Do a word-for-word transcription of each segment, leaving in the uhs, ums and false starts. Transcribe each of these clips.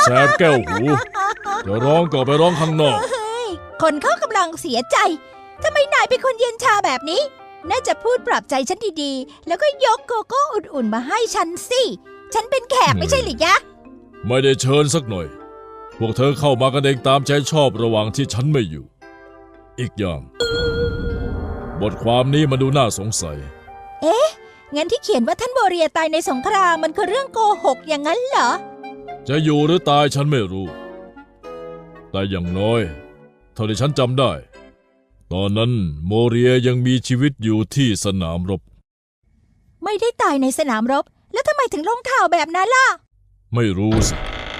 แสบแก้วหูจะร้องก็ไปร้องข้างนอกคนเขากำลังเสียใจทำไมนายเป็นคนเย็นชาแบบนี้น่าจะพูดปลอบใจฉันดีๆแล้วก็ยกโกโก้อุ่นๆมาให้ฉันสิฉันเป็นแขกไม่ใช่หรือยะไม่ได้เชิญสักหน่อยพวกเธอเข้ามากันเองตามใจชอบระหว่างที่ฉันไม่อยู่อีกอย่างบทความนี้มันดูน่าสงสัยเอ๊ะงั้นที่เขียนว่าท่านโบเรียตายในสงครามมันคือเรื่องโกหกอย่างนั้นเหรอจะอยู่หรือตายฉันไม่รู้แต่อย่างน้อยเท่าที่ฉันจำได้ตอนนั้นโมเรียยังมีชีวิตอยู่ที่สนามรบไม่ได้ตายในสนามรบแล้วทำไมถึงลงข่าวแบบนั้นล่ะไม่รู้สิ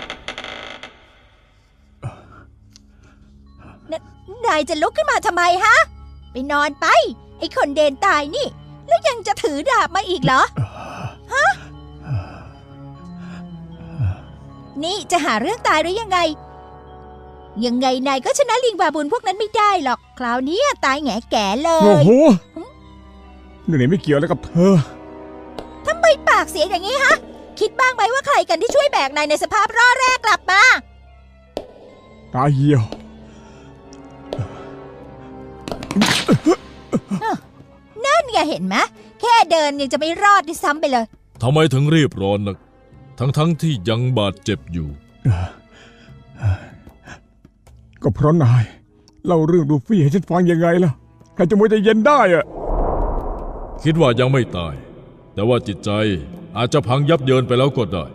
นายจะลุกขึ้นมาทำไมฮะไปนอนไปไอ้คนเดนตายนี่แล้วยังจะถือดาบมาอีกเหรอฮะนี่จะหาเรื่องตายหรือยังไงยังไงนายก็ชนะลิงบาบูนพวกนั้นไม่ได้หรอกคราวนี้ตายแง่แก่เลยโอ้โหนี่ไม่เกี่ยวแล้วกับเธอทำไมปากเสียอย่างนี้ฮะคิดบ้างไหมว่าใครกันที่ช่วยแบกนายในสภาพร่อแรกกลับมาตาเหี่ยวนั่นไงเห็นไหมแค่เดินยังจะไม่รอดด้วยซ้ำไปเลยทำไมถึงรีบร้อนนักทั้งๆที่ยังบาดเจ็บอยู่ก็เพราะนายเล่าเรื่องลูฟี่ให้ฉันฟังยังไงล่ะใครจะมัวใจเย็นได้อะคิดว่ายังไม่ตายแต่ว่าจิตใจอาจจะพังยับเยินไปแล้วก็ได้